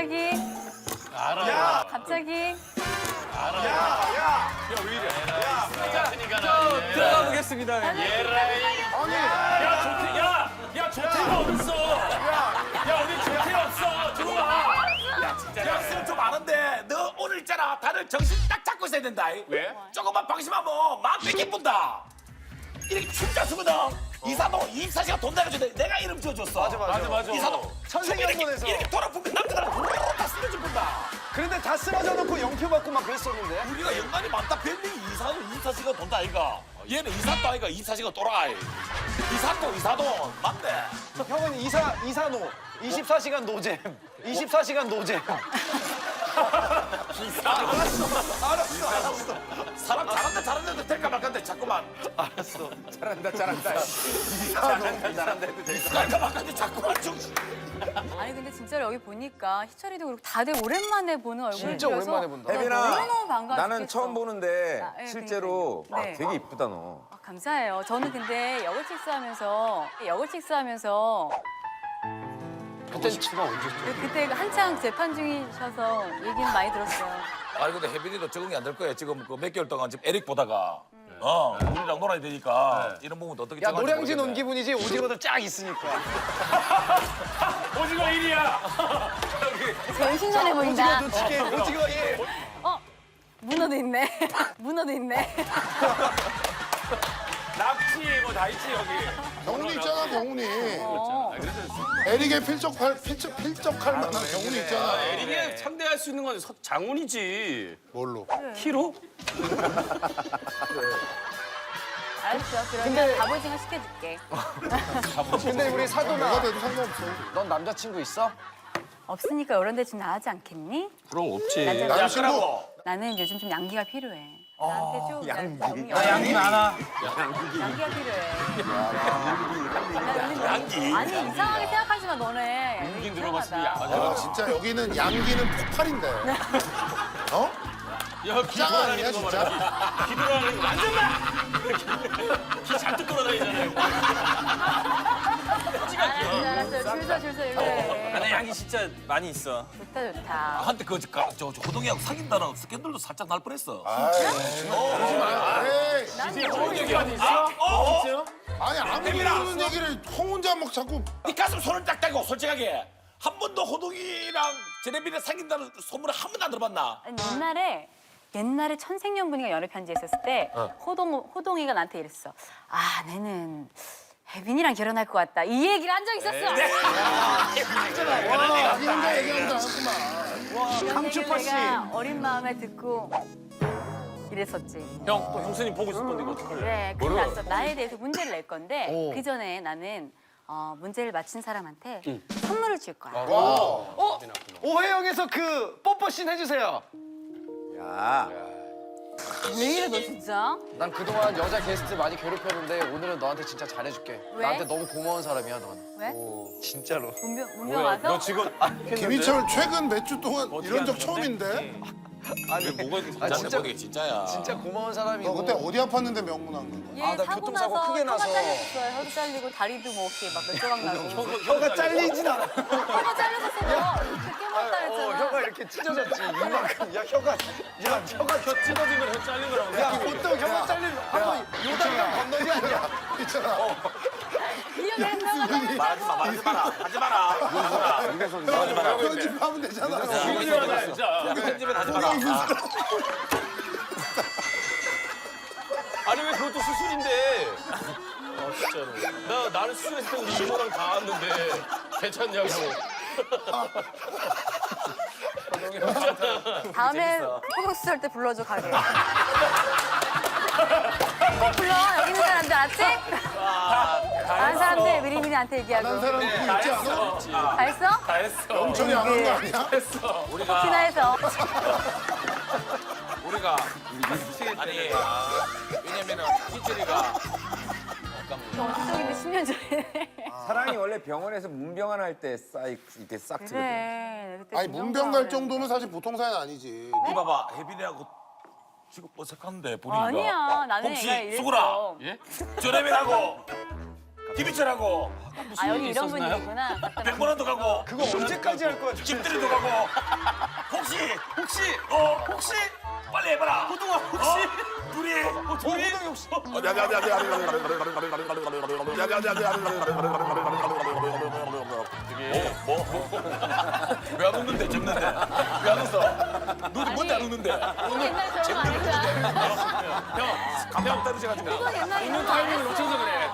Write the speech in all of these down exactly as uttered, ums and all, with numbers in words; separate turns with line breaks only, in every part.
갑자기.
알아.
야!
갑자기.
알아.
야, 야,
왜 이래?
야,
그러니까
저 들어가 보겠습니다.
예라이.
아니,
야, 조태, 야, 야, 조태가 어딨어? 야, 우리 조태 없어. 들어와.
야, 진짜. 야, 쓰면 좀 아는데, 너 오늘 있잖아. 다들 정신 딱 잡고 있어야 된다.
왜?
조금만 방심하면 마음 뺏기 뿐다. 이렇게 춤자 쓰거든. 이사도 이십사 시간 돈 내가지고 내가 이름 지어줬어.
맞아, 맞아.
맞아, 맞아.
이사도
천생연분에서.
이렇게 돌아보면 남자들 다 쓰러져 본다.
그런데 다 쓰러져 놓고 영표 받고 막 그랬었는데.
우리가 연관이 많다. 별명이 이사도 이십사 시간 돈다 아이가. 얘는 이사도 아이가 이십사 시간 돌아이. 이사도 이사도 맞네.
형은 이사 이사노. 이십사 시간 노잼. 이십사 시간 노잼.
알았어, 알았어, 알았어. 사람 잘한다, 잘한다 될까 말까인데 자꾸만.
알았어. 잘한다 잘한다.
잘한다, 잘한다 해도 될까 말까인데 자꾸만 좀.
아니 근데 진짜로 여기 보니까 희철이도 그렇고 다들 오랜만에 보는 얼굴이라서
진짜 오랜만에 본다.
혜빈아,
너무너무 반가워
나는
죽겠어.
처음 보는데
아, 예,
실제로
그러니까요.
아,
네.
되게 이쁘다 너.
아, 감사해요. 저는 근데 여고 칙스하면서 여고 칙스하면서
그때 치가 언제?
그때 한창 재판 중이셔서 얘기는 많이 들었어요.
아니 근데 혜빈이도 적응이 안 될 거야. 지금 그 몇 개월 동안 지금 에릭 보다가 어 우리랑 놀아야 되니까 이런 부분도 어떻게
야
적응할지
노량진 온
모르겠네.
기분이지 오징어들 쫙 있으니까.
오징어 일이야.
제일 신선해 보인다.
오징어 두치게 오징어 예.
어? 문어도 있네. 문어도 있네.
낙지 뭐 다 있지 여기.
경훈이 있잖아, 경훈이.
어.
에릭에 필적할, 필적, 필적할 만한 경훈이 있잖아.
에릭이 상대할 수 있는 건 서- 장훈이지.
뭘로?
키로?
알았어. 그러면 갑오징어 시켜줄게.
근데 우리
뭐가
사도나
돼도 상관없어.
넌 남자친구 있어?
없으니까 이런 데 좀 나가지 않겠니?
그럼 없지.
남자-
야
남친구.
끄라고.
나는 요즘 좀 양기가 필요해. 나한테 좀 양기.
나 양기 많아.
양기가 필요해. 나 양기? 아니 이상하게 생각하지만 너네.
용기 들어봤으니
이상하다.
아, 진짜 여기는 양기는 폭발인데. 어?
야, 기
짱 아니야,
돌아다니는 거
진짜?
봐라. 기 돌아다니는 거 완전 나. 기 잔뜩 돌아다니잖아요.
알았어 알았어 줄서 줄서 그래.
나 양기 진짜 많이 있어.
좋다 좋다.
한때 그 저, 저, 저 호동이하고 사귄다는 스캔들도 살짝 날 뻔했어.
아이, 그러지 마. 에이.
난
얘기 어디 있어? 어? 어?
아니, 아무리 모르는 얘기를 형 혼자 막 자꾸.
네 가슴 손을 딱 대고 솔직하게 한 번도 호동이랑 제네비를 사귄다는 소문을 한 번도 안 들어봤나?
아니, 옛날에 옛날에 천생연분이가 연애 편지 했었을 때 호동 호동이가 나한테 이랬어. 아 내는 혜빈이랑 결혼할 것 같다. 이 얘기를 한 적 있었어.
와, 자기 혼자 얘기한다. 하구만.
강추파 씨.
내가 어린 마음에 듣고 이랬었지.
형, 또 형수님 보고 싶은데 이거 어떡할래?
그래, 큰일 났어. 나에 대해서 문제를 낼 건데 그 전에 나는 어, 문제를 맞힌 사람한테 선물을 줄 거야.
어? 오해영에서 그 뽀뽀씬 해주세요.
야,
왜 이래 너 진짜?
난 그동안 여자 게스트 많이 괴롭혔는데 오늘은 너한테 진짜 잘해줄게.
왜?
나한테 너무 고마운 사람이야 넌.
왜?
진짜로.
문병 문병 와서?
너 지금
김희철 최근 몇 주 동안 이런 적 처음인데?
아니
뭐가 이렇게
아,
진짜
진짜
모르게 진짜야.
진짜 고마운 사람이고.
너 그때 어디 아팠는데 명문한 거야?
얘
아, 나
사고
교통사고
나서
크게 나서.
혀가 잘렸어요. 혀도 잘리고 다리도 뭐 이렇게 막몇 조각 나고.
혀가 잘리진 않아.
혀가 잘렸었어. 그렇게 못다
어,
했잖아.
혀가 이렇게 찢어졌지. 이만큼. 야 혀가. 야 혀가 혀
찢어지면 혀 잘린 거라고.
야 보통 혀가 잘리면 한번 요단강 건너지 않냐?
있잖아.
이형이 했나봐.
말하지 마, 말하지 마라. 하지 마라. 윤수라. 하지 마라.
편집하면 되잖아.
진짜. 편집은 하지 마라.
아니 왜 그것도 수술인데? 아 진짜로. 나 나는 수술했을 때 우리 이모랑 다 왔는데 괜찮냐고.
다음에 호흡수 할 때 불러줘 가게. 꼭 불러. 여기 있는 사람들 알았지? 다른 사람들 미리미리 나한테 얘기하고.
난 사람 누구 있지 않아?
다 했어?
다 했어.
영철이 안 한 거 아니야?
우리가
티나해서.
우리가 아니 왜냐면은 희철이가
정치적인데 십 년 전에.
사랑이 원래 병원에서 문병환 할 때 싹 이렇게 싹 트거든.
그래. 그때
아니
그
문병 갈
정도는.
정도는 사실 보통 사연 아니지.
이 봐봐 혜빈이하고 지금 어색한데 분위기가.
아니야. 나는
혹시
얘가 이랬어.
수구라
예?
저래면하고 디비처라고
아 여기 이런 분위기구나.
백번원도 가고
그거 언제까지 할 거야?
집들이도 가고 혹시 혹시 어 혹시 빨리 해봐라 호동아 혹시 둘이 어, 둘이 혹시 뭐뭐왜안 웃는데 잼는데 왜 안 웃어 너도 뭔데 안 웃는데
옛날 저거 아니야.
감당 떨어져가지고
이거 옛날
웃는 타이밍을 놓쳐서 그래.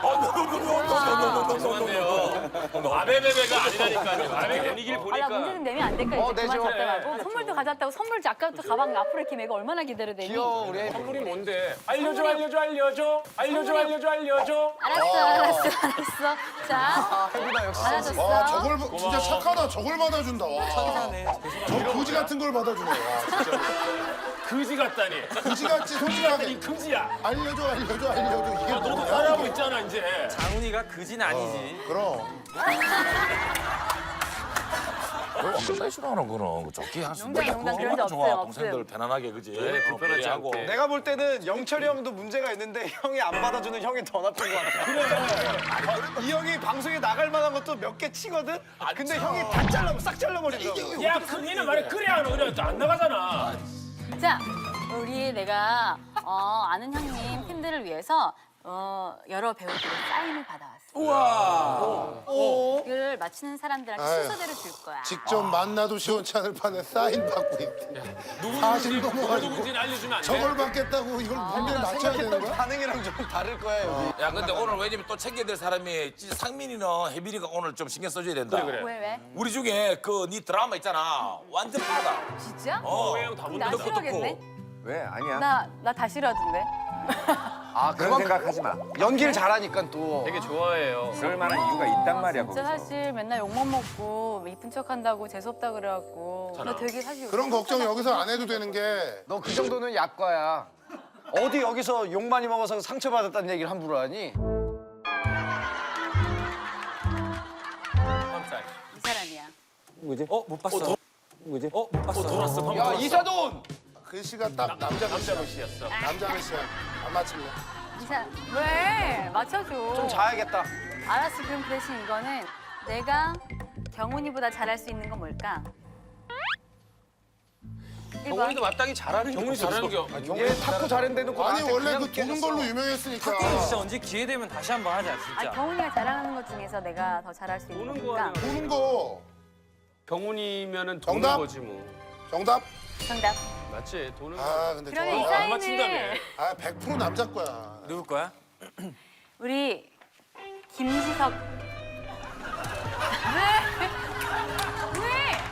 죄송한데요.
어,
아베베베가 아니라니까요. 아베 분위기를
아, 나
보니까.
문제 좀 내면 안 될까? 이제
어,
그만
내죠.
잡다가고 선물도 가져왔다고 선물 아까부터 가방 앞으로 이렇게 메고 얼마나 기다려대니?
귀여워 우리.
선물이 뭔데? 알려줘, 알려줘, 알려줘. 알려줘, 알려줘, 알려줘.
알았어, 알았어, 알았어. 자,
혜빈아 역시.
알아줬어.
와 저걸 봐- 진짜 착하다. 저걸 받아준다. 와. 저 거지 같은 걸 받아주네. 와, 진짜.
그지 같다니.
거지 같지
이
솔직하게
금지야.
알려줘 알려줘 알려줘 이게
너도
뭐야?
잘하고 있잖아 이제.
장훈이가 그진 아니지.
그럼.
왜 싫어하는 거는 좋게 할수
농담, 농담 그런 적
좋아
없어요,
동생들
없어요.
편안하게 그지
네, 불편하지
하고
않게.
내가 볼 때는 영철이 형도 문제가 있는데 형이 안 받아주는 형이 더 나쁜 것 같아. 그래. 이 형이 방송에 나갈 만한 것도 몇 개 치거든. 근데 형이 다 잘라 싹 잘라버리더라고.
야, 큰이는 말이 그래 안 그래 안 나가잖아.
자, 우리 내가 어, 아는 형님 팬들을 위해서 어, 여러 배우들의 사인을 받아왔어. 우와. 이걸 맞추는 사람들한테
아유.
순서대로 줄 거야.
직접 만나도 시원치 않을 판에 사인 받고 있대. 사실
누구
넘어가지고
누구인지는 알려주면 안 돼?
저걸 받겠다고 이걸 분명히 맞춰야 되는
생각했던
거야?
반응이랑 좀 다를 거야 여기.
야 근데 오늘 왜냐면 또 챙겨야 될 사람이 진짜 상민이는 혜빈이가 오늘 좀 신경 써줘야 된다
그래, 그래.
왜 왜?
우리 중에 그 네 드라마 있잖아 완전 빠다
진짜?
어
형 다
나
본다.
싫어하겠네.
왜? 아니야.
나 나 다 싫어하던데.
아
그런 생각하지 마.
연기를 잘하니까 또.
되게 좋아해요.
그럴 만한 이유가 있단 말이야
진짜
거기서.
사실 맨날 욕만 먹고 이쁜 척한다고 재수없다 그래갖고 나 되게 사실
그런 걱정 여기서 안 해도 되는 게
너 그 정도는 약과야. 어디 여기서 욕 많이 먹어서 상처받았다는 얘기를 함부로 하니?
이 사람이야.
뭐지? 어? 못 봤어. 뭐지? 어? 못 봤어.
돌았어.
야 이사돈.
글씨가 딱 남자
남자
글씨야.
글씨였어.
남자 글씨야. 안 맞힐래?
이 사람 왜 맞춰줘?
좀 자야겠다.
알았어. 그럼 그 대신 이거는 내가 경훈이보다 잘할 수 있는 건 뭘까? 일 번.
경훈이도 마땅히 잘하는
경훈이 잘하는 게
얘 탁구 잘했는데도 그
아니
나한테
원래
그냥
그 도는
깨졌어.
걸로 유명했으니까.
진짜 언제 기회 되면 다시 한번 하자
아,
진짜.
경훈이가 잘하는 것 중에서 내가 더 잘할 수 있는
도는
건 뭘까?
거
도는 거
경훈이면은 도는
정답?
거지 뭐.
정답?
정답.
맞지? 도는 거.
아 근데
그러면 이
저
안 맞춘다며.
사인을
아 백 퍼센트 남자 거야.
누굴 거야?
우리 김지석. 왜? 왜?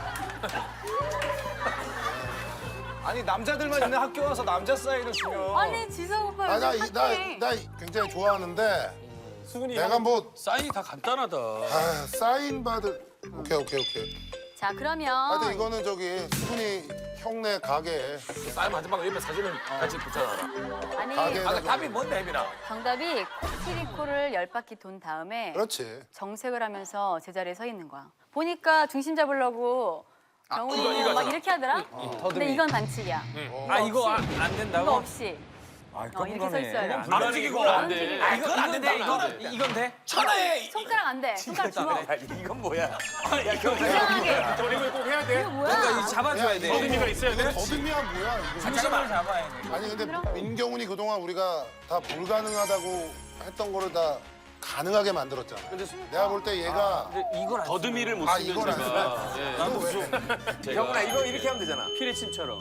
아니 남자들만 있는 학교 와서 남자 사인을 주면.
아니 지석 오빠 요즘
아나나 나,
핫해.
나 굉장히 좋아하는데
수근이
내가 뭐
사인이 다 간단하다.
아, 사인 받을 오케이 오케이 오케이.
자 그러면
하여튼 이거는 저기 수근이 형네 가게에
싸임 하지 말고 옆에 사진을 같이 붙여놔라
아니
가게-
아 답이 뭔데 혜빈아
정답이 코끼리코를 열 바퀴 돈 다음에
그렇지.
정색을 하면서 제자리에 서 있는 거야. 보니까 중심 잡으려고 경훈이
이거, 이거
막
하잖아.
이렇게 하더라. 근데 이건 반칙이야.
아 이거 안, 안
이거
된다고?
없이
아,
어, 이렇게 서 있어야 돼.
안 움직이고
안 돼.
아 그건 안 된다
이건
이거는
돼? 이건 돼?
천하에
손가락 안 돼. 손가락 주먹.
야, 이건 뭐야?
이상하게.
저리고 꼭 해야 돼.
이거 뭐야?
그러니까 이 잡아줘야
야,
돼.
어금니가 있어야
이거
돼.
더듬이야 뭐야 이거.
중심을 잡아야 돼.
아니 근데 민경훈이 그동안 우리가 다 불가능하다고 했던 거를 다 가능하게 만들었잖아. 내가 볼 때 얘가
이걸 안
더듬이를 못
아,
쓰면
이걸 안
제가 예.
나도 왜?
경훈아 이거 이렇게 하면 되잖아.
피레침처럼.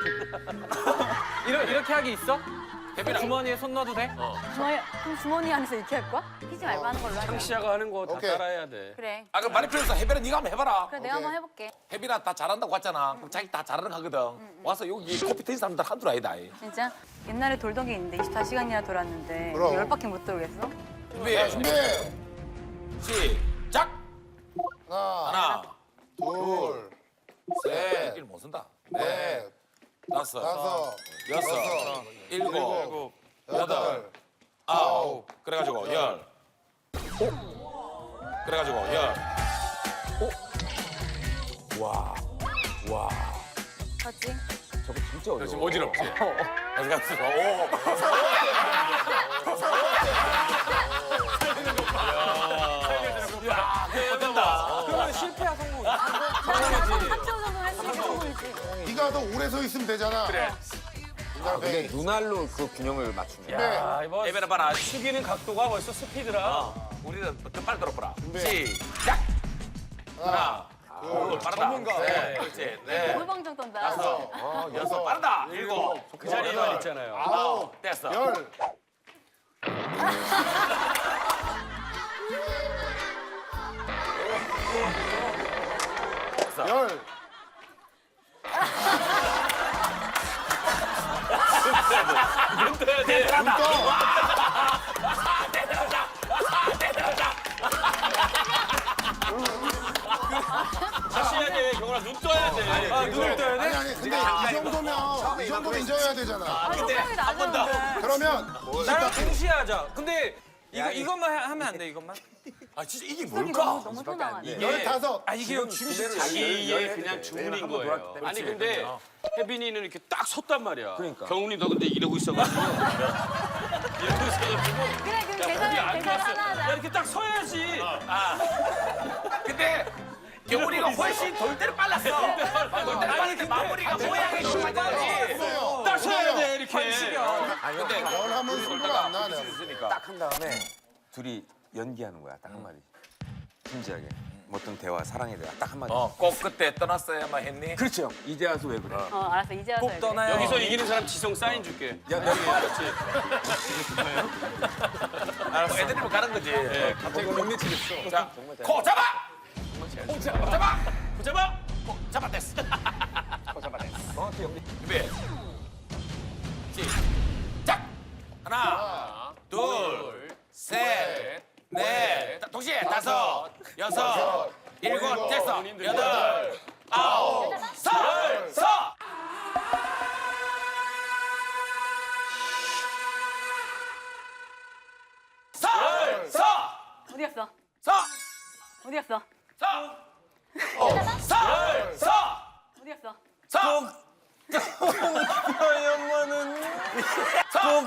이렇게 이렇게 하기 있어? 주머니에 손 넣어도 돼?
주머니, 그럼 주머니 안에서 이렇게 할 거야? 피지 말고 하는 걸로 하자.
창시아가 하는 거 다
오케이.
따라해야 돼.
그래.
아 그럼 말이 필요 없어 혜빈아 네가 한번 해봐라
그래 내가 한번 해볼게.
혜빈아 다 잘한다고 왔잖아 그럼 자기 다 잘하는 거 하거든 와서 여기 커피 트인 사람들 한둘 아니다 이.
진짜 옛날에 돌던 게 있는데 이십사 시간이나 돌았는데
그럼.
열 바퀴 못 돌겠어?
준비
준비.
시작
하나,
하나
둘,
셋 일 못 쓴다 넷
넷,
다섯
다섯,
여섯
여섯,
일곱
일곱,
여덟
여덟,
아홉 그래가지고 열 그래가지고 열 와와
맞지?
저거 진짜 어려워.
지금 어지럽지?
어디갔어 오
야, 그거 된다.
그러면 실패야 성공.
삼 초 정도 했으니까 성공이지.
네가 더 오래 서 있으면 되잖아. 그래.
근데 눈알로 그 균형을 맞추네.
야, 이거
예배나 봐라.
숙이는 각도가 벌써 스피드라.
우리는 더 빨리 들어보라. 시작. 하나, 둘, 빠르다. 네, 그렇지. 네.
골방정 떤다.
다섯, 여섯, 빠르다. 일곱,
그 자리에만 있잖아요.
아홉, 됐어.
열. 열.
눈 떠야 돼. 다시 해야 돼. 경훈아, 눈 떠야 돼.
아 눈을 떠야 돼?
아니 아니 근데 이 정도면 이 정도는 인정해야 되잖아.
아, 생각이 나는데.
그러면
나랑 동시에 하자. 근데 이거 이것만 하- 하면 안 돼 이것만?
아, 진짜 이게
너무
뭘까?
너무 설명하네.
열다섯.
아 이게 춤이
자기의 그냥 주문인 거예요. 아니 근데 혜빈이는 이렇게 딱 섰단 말이야.
그러니까.
경훈이 너 근데 이러고 있어가지고 이러고 있어가지고
그래, 그럼
우리
계산,
안
계산
좋았어.
하나
야
하자.
이렇게 딱 서야지.
근데 경훈이가 훨씬 돌 때는 빨랐어. 돌 때는 빨랐는데 마무리가 모양이 좀 맞아야지.
딱 서야 돼 이렇게.
근데
열 하면 소리가 안 나네.
딱 한 다음에 둘이 연기하는 거야. 딱 한마디. 진지하게. 뭐 어떤 대화, 사랑에 대한 딱 한마디.
어, 꼭 그때 떠났어야만 했니?
그렇죠. 형. 이제 와서 왜 그래?
어, 알았어. 이제 와서.
꼭 떠나요.
여기서 이기는 사람 지성 사인 줄게.
야, 너
그렇지.
알았어. 애들이면 가는 거지.
갑자기 못 미치겠어.
자, 코 잡아! 코 잡아! 잡아! 코 잡아! 코 잡아댔어. 코 잡아댔어.
정확히 연기.
준비. 시작! 하나, 둘, 셋, 넷, 동시에 다섯, 여섯, 일곱, 됐어. 여덟, 아홉, 서! 서! 서! 서!
어디 갔어?
서!
어디 갔어?
서! 서! 서!
어디 갔어?
서!
너희 엄마는
서!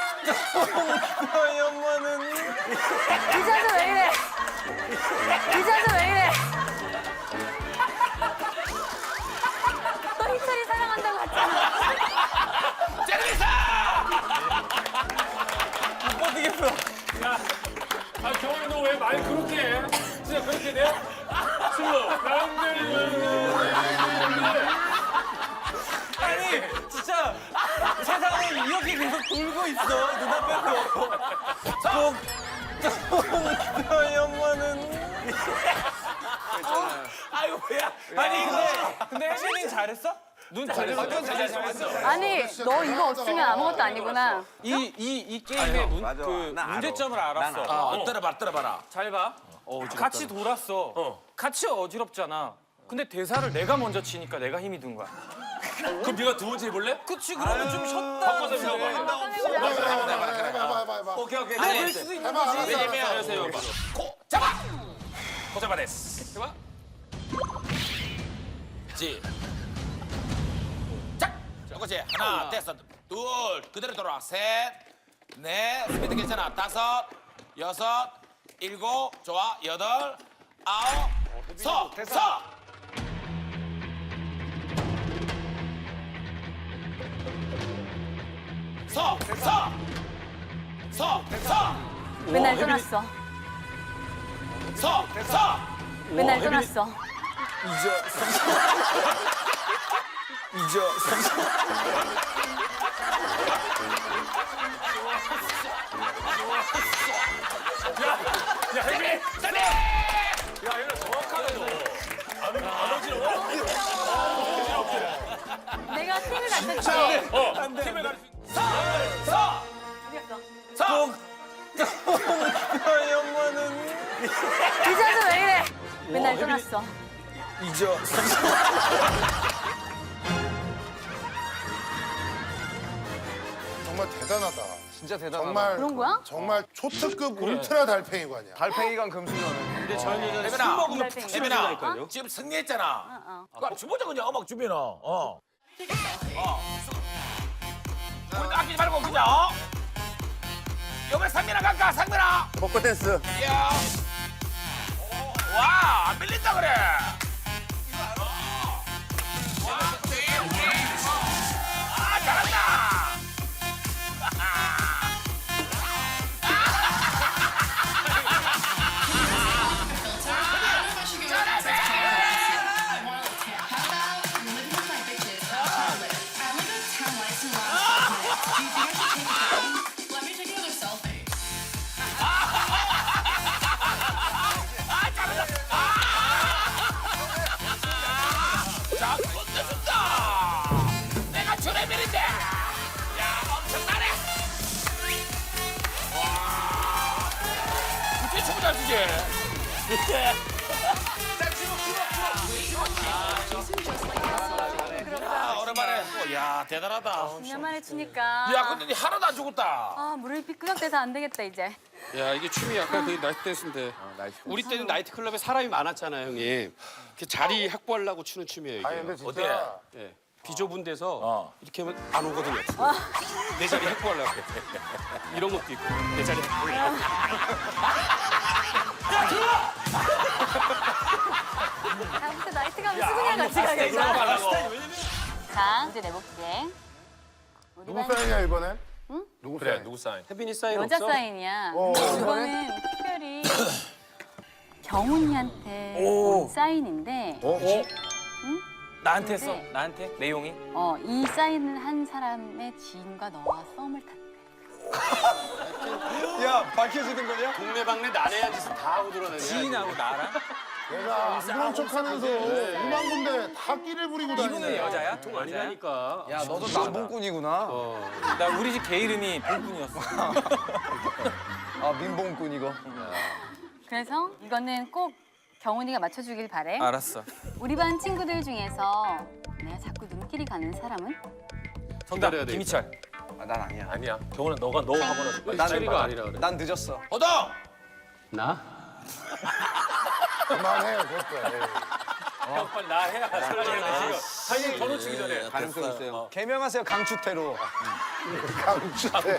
너희 엄마는
이자수 왜 이래? 이자수 왜 이래? 너 희철이 사랑한다고 했잖아.
제르미사!
어디겠어?
아, 경훈이 너 왜 말 그렇게 해? 진짜 그렇게 돼? 슬로. 남들이
아니 진짜 세상은 이렇게 계속 돌고 있어 눈앞에서. 꼭 너희 엄마는.
아이고 뭐야?
아니 근데 근데 혜빈이 잘했어? 눈 잘했어.
아니, 너 이거 없으면 아무것도 아니구나.
이 이 이 게임의 문,
맞아.
그
나 알아.
문제점을 알았어.
어, 들어봐, 들어봐라.
잘 봐. 같이 돌았어. 같이 어지럽잖아. 근데 대사를 내가 먼저 치니까 내가 힘이 든 거야.
그럼 네가 두 번째 해볼래?
그치 그러면 좀 쉬었다.
바꿔서 해봐.
해봐 해봐 해봐 해봐 해봐.
오케이, 오케이.
아니 될 수도 있는
해봐
거지.
알았어
왜냐면
알았어.
하세요. 코 잡아. 코 잡아냈어.
해봐.
지. 짝. 똑같이 하나, 됐어. 둘, 그대로 돌아. 셋, 넷, 스피드 괜찮아. 다섯, 여섯, 일곱, 좋아. 여덟, 아홉, 서, 서. 서, 서. 서, 서.
맨날 떠났어.
서, 서.
맨날 떠났어.
야, 혜빈!
짜네.
야, 얘는 정확하네, 너. 안, 안 어지러워?
내가 팀을 갖췄지.
어, 팀을 가르쳐.
서, 서.
어디 갔어?
서.
너희 엄마는.
이자수 왜 이래? 맨날 떠났어.
정말 대단하다.
진짜 대단하다.
정말
그런 거야?
정말 초특급 울트라 달팽이관이야.
달팽이관 금수저는.
근데 저희는 술
혜빈아,
먹으면
혜빈아.
푹
혜빈아,
취해진다니까요.
지금 승리했잖아.
어.
그럼 주보자 그냥 음악 준비나. 어. 어. 우리 아끼지 말고 그냥. 어? 요번에 상민아 갈까? 상민아.
벚꽃 댄스.
야. 와, 안 밀린다 그래. 아, 잘한다. 자, 건네준다. 내가 주레밀인데. 야, 엄청나네. 와. 어떻게 춤을 잘 추지? 야, 오랜만에. 어, 야, 대단하다.
몇 년 만에 추니까.
야, 근데 니 하나도 안 죽었다.
아, 무릎이 삐끄덕대서 안 되겠다, 이제.
야 이게 춤이 약간 그 나이트 댄스인데 우리 때는 나이트 클럽에 사람이 많았잖아요 형님. 이렇게 자리 확보하려고 추는 춤이에요 이게.
아니 근데 진짜
어때?
예. 비좁은 데서
어.
이렇게 하면 안 오거든요. 내 자리 확보하려고. 이런 것도 있고 내 자리 확보하려고.
다음부터 나이트 가면 수근이랑 같이 가겠다. 자, 이제 내볼게. 우리
누구
반
사인이야 이번엔? 응? 누구
그래,
사인?
누구 사인?
혜빈이 사인
여자
없어?
사인이야.
어,
이거는 특별히 경훈이한테 온 사인인데
나한테 써.
네.
나한테 내용이.
어, 이 사인을 한 사람의 지인과 너와 썸을 탔대.
야 밝혀지는 거냐?
동네방네 난해한 짓을 다 하고 들어내냐.
지인하고 나랑.
내가 안 그런 척하면서 이만 군데 다 끼를 부리고 다니네.
이분은 여자야?
통 아니라니까.
야 너도 남봉꾼이구나.
어.
나 우리 집 개 이름이 봉군이었어.
아 민봉꾼 이거.
그래서 이거는 꼭 경훈이가 맞춰주길 바래.
알았어.
우리 반 친구들 중에서 내가 자꾸 눈길이 가는 사람은?
정답.
기다려야 돼.
김희철.
아, 난 아니야.
아니야. 경훈아, 너가 너 하고는
나는
철이가 아니라 그래.
난 늦었어.
호동!
나?
그만해 됐어. 에이.
형 빨리 나 해야 설레는 사진 더 놓치기 전에.
가능성 있어요. 개명하세요 강추태로.
강추태.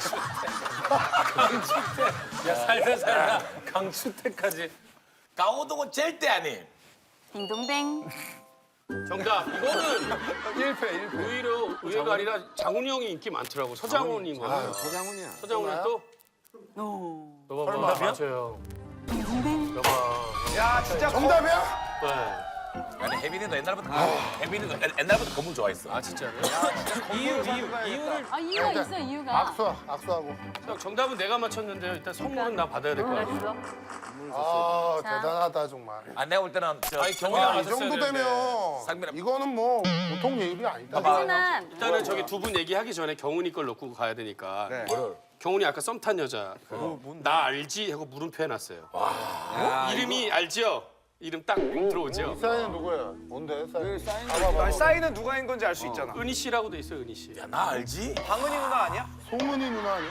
야 살다 살다 강추태까지.
강호동은 절대 아님.
딩동댕.
정답. 이거는
일 패 일 패.
오히려 의외가 아니라 장훈이 형이 인기 많더라고. 서장훈인 거야.
서장훈이야.
서장훈은 또?
오.
여봐, 봐. 맞아요.
딩동댕.
여봐.
야 진짜
정답이야?
네.
아니, 혜빈이도 옛날부터, 혜빈이도 옛- 옛날부터 검을 좋아했어.
아 진짜요?
이유 이유 이유를
아, 이유가 있어, 이유가.
악수 악수하고.
형, 정답은 내가 맞췄는데요. 일단 선물은 나 받아야 될 것 같아요.
알았어.
아
자.
대단하다 정말.
아, 내가 볼 때는 저
아니,
경훈이가
경훈아,
아, 이
맞았어야
정도
되는데.
되면
상민아.
이거는 뭐 보통 예의가 아니다.
하지만
일단은 저기 두 분 얘기하기 전에 경훈이 걸 넣고 가야 되니까.
네.
경훈이 아까 썸 탄 여자. 나 알지? 하고 물음표 해놨어요. 이름이 알지요? 이름 딱 들어오죠?
이 사인은 누구야? 뭔데 사인?
사인.
봐봐,
아니 사인은 누가 한 건지 알 수 있잖아.
은희 씨라고 돼 있어, 은희 씨.
야, 나 알지?
방은이 누나 아니야?
송은이 누나 아니야?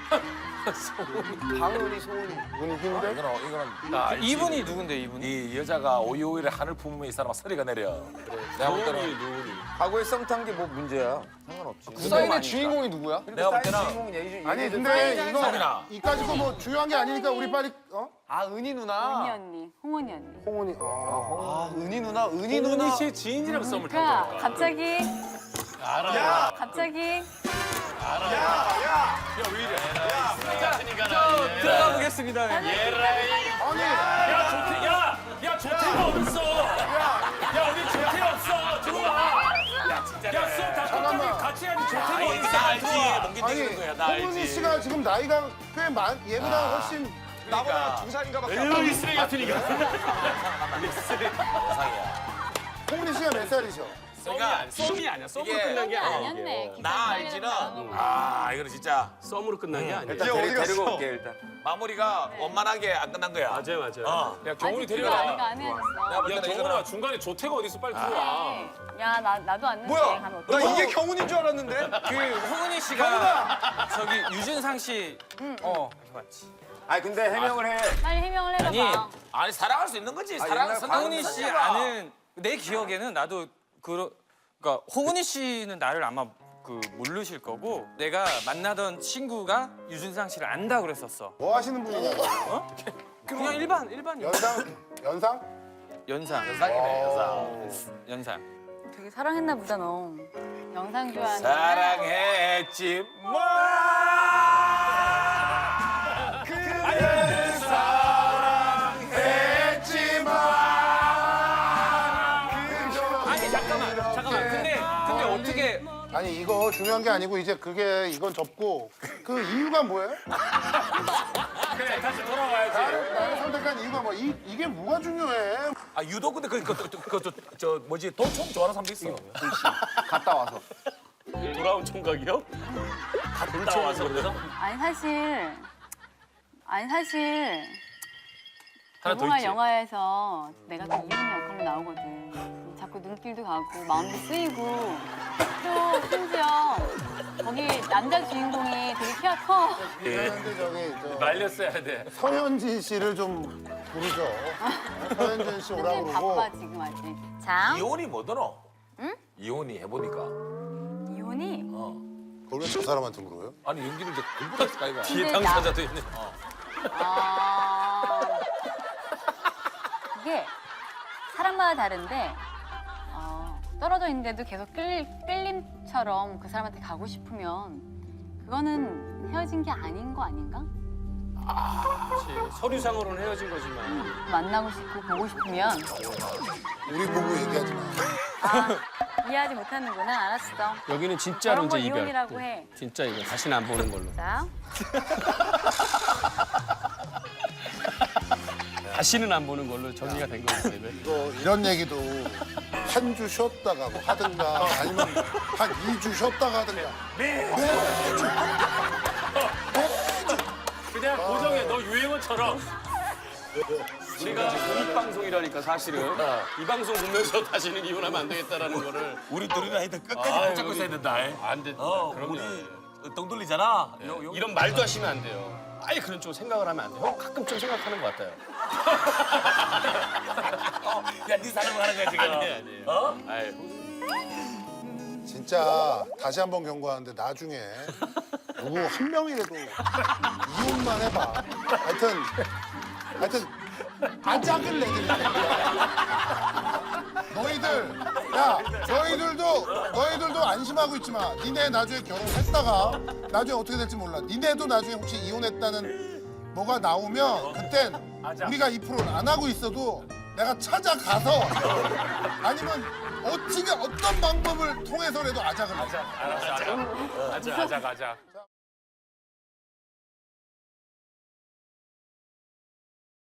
방은이 소은이.
분위기인데?
이거는, 이거는 나 알지.
이분이 누군데 이분이?
이 여자가 오이오이를 하늘 품으면 이 사람은 소리가 내려. 내가 볼 때는,
누구니?
과거에 썸 탄 게 뭐 문제야? 상관없지.
그 사인의 주인공이 누구야?
내가 볼 때는
주인공은 예의
아니 근데 이거
상민아.
이까짓 거 뭐 중요한 게 아니니까 우리 빨리 어?
아 은희
은희
누나.
언니, 홍은희 언니.
홍은이. 어.
아 은희 누나 은희 누나.
씨의 지인이랑 썸을
그러니까 갑자기
알아.
갑자기
들어가 보겠습니다.
아니
야, 조태, 야, 야, 조태가 어딨어? 야, 우리 조태 없어. 들어와. 야, 진짜. 야, 수업 다 끝나면 같이 하니 조태가 어딨어?
나 알지. 몽기
아니
땡기는 거야. 나
홍은이
알지.
씨가 지금 나이가 꽤 많, 얘보다 훨씬
나보다 두 살인가밖에 안
은희 쓰레기 같으니까.
세상이야.
홍은이 씨가 몇 살이셔?
그러니까
썸이 아니야. 썸으로
이게
끝난 게 아니야.
아니었네.
나 알지는 아, 이거는 진짜
썸으로 끝난 게 아니야.
일단
얘
데리,
어디 갔어?
데리고 올게 일단.
마무리가 원만하게 안 끝난 거야.
맞아요, 맞아요.
어.
야, 경훈이
아직
데려가.
내가 안 해줬어.
내가 볼
야,
때는
경훈아,
이거는
중간에 조태가 어딨어? 빨리 들어와.
야, 나 나도 왔는데
뭐야?
가면
나
어떡해?
이게 경훈인 줄 알았는데.
그 홍은희 씨가 저기 유준상 씨. 어 맞지.
아 근데 해명을 해.
빨리 해명을 해봐.
아니,
아니 사랑할 수 있는 거지. 사랑
옛날
사랑.
홍은희 씨 아는 내 기억에는 나도 그 그러니까 홍은희 씨는 나를 아마 그 모르실 거고 내가 만나던 친구가 유준상 씨를 안다 그랬었어.
뭐 하시는 분이냐고.
그냥 일반 일반
연상? 연상?
연상
연상이네 연상.
연상.
되게 사랑했나 보다 너. 영상 좋아하는
사랑했지 뭐.
그대를 사랑했지만
아니 잠깐만 잠깐만. 근데 근데 어떻게
아니 이거 중요한 게 아니고 이제 그게 이건 접고 그 이유가 뭐예요?
그래 다시 돌아와야지.
나를 선택한 이유가 뭐 이, 이게 뭐가 중요해?
아 유독 근데 그, 그, 그, 그, 저, 저 뭐지 도총 좋아하는 사람도 있어.
갔다 와서.
돌아온 총각이요?
갔다 와서 그래서
아니 사실 아니 사실
하나 더
개봉할
있지.
영화에서 내가 또 이혼 역할로 나오거든. 자꾸 눈길도 가고 마음도 쓰이고 또 심지어 거기 남자 주인공이 되게 키가 커.
그런데 저기 저
말렸어야 돼.
서현진 씨를 좀 부르죠. 서현진 씨 오라고
굉장히
그러고.
바빠 지금 아직. 자
이혼이 뭐더노? 응? 이혼이 해보니까.
이혼이
그걸 왜 저 사람한테 물어요?
아니 연기를 이제 공부했을까 이거.
뒤에
근데 나-
당사자도 있네.
아 이게 사람마다 다른데 어, 떨어져 있는데도 계속 끌, 끌림처럼 그 사람한테 가고 싶으면 그거는 헤어진 게 아닌 거 아닌가?
그렇지. 서류상으로는 헤어진 거지만.
만나고 싶고 보고 싶으면
우리 보고 얘기하지 마.
아 이해하지 못하는구나. 알았어.
여기는 진짜로
그런 걸
이제 이별.
이혼이라고 해.
진짜 이거 다시는 안 보는 걸로.
자
다시는 안 보는 걸로 정리가 된 거예요.
이거 이런 얘기도 한 주 쉬었다가 뭐 하든가 아니면 한 이 주 쉬었다가 하든가.
그냥 고정해. 너 유행어처럼.
우리가 공익 방송이라니까 사실은 이 방송 보면서 다시는 이혼하면 안 되겠다라는 거를
우리 둘이나 하여튼 끝까지
아유,
붙잡고 있어야 된다.
안 돼.
어,
그럼요.
우리 똥 돌리잖아. 요- 요-
이런 말도 하시면 안 돼요. 아예 그런 쪽 생각을 하면 안 돼요. 형 가끔 좀 생각하는 것 같아요.
어, 야, 네 사랑을 하는 거야 지금.
아니 아니에요.
어?
아이,
진짜 다시 한번 경고하는데 나중에 누구 한 명이라도 이혼만 해봐. 하여튼 하여튼 아작을 내드릴 거야. 너희들 야 너희들도 너희들도 안심하고 있지 마. 니네 나중에 결혼했다가 나중에 어떻게 될지 몰라. 니네도 나중에 혹시 이혼했다는 뭐가 나오면 그땐 우리가 이 프로를 안 하고 있어도 내가 찾아가서 아니면 어떻게 어떤 방법을 통해서라도 아작을 내.
알았어, 알았어. 가자, 가자, 가자.